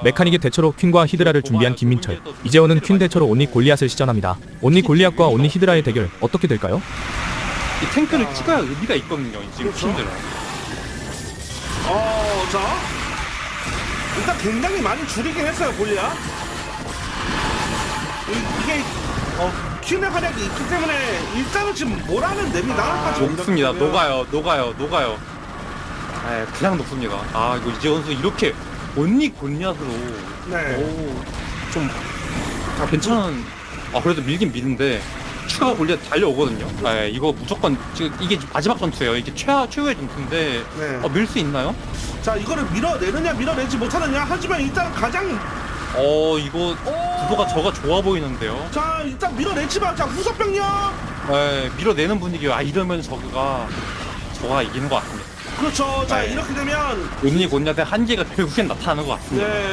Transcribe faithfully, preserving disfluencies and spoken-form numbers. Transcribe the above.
메카닉의 대처로 퀸과 히드라를 준비한 김민철. 이재원은 퀸 대처로 온리 골리앗을 시전합니다. 온리 골리앗과 온리 히드라의 대결 어떻게 될까요? 이 탱크를 찍어야 의미가 있거든요. 지금 그렇죠. 퀸들은. 어, 자. 일단 굉장히 많이 줄이긴 했어요, 골리앗. 이- 이게, 어, 퀸의 활약이 있기 때문에 일단은 지금 뭐라는 냅니다. 녹습니다. 녹아요. 녹아요. 녹아요. 에 그냥 녹습니다. 아 이거 이재원 선수 이렇게 온리 골리앗으로 네. 오좀 아, 괜찮은. 아 그래도 밀긴 미는데 추가 골리앗 달려오거든요. 에 이거 무조건 지금 이게 마지막 전투예요. 이게 최하 최후의 전투인데 네. 어, 밀 수 있나요? 자, 이거를 밀어내느냐, 밀어내지 못하느냐. 하지만 일단 가장, 어 이거 구도가 저가 좋아 보이는데요. 자, 일단 밀어내지만, 자, 후속병력. 에 밀어내는 분위기요. 아 이러면 저가 저가 이기는 것 같습니다. 그렇죠. 자, 네. 이렇게 되면 온리 골리앗의 한계가 결국엔 나타나는 것 같습니다. 네.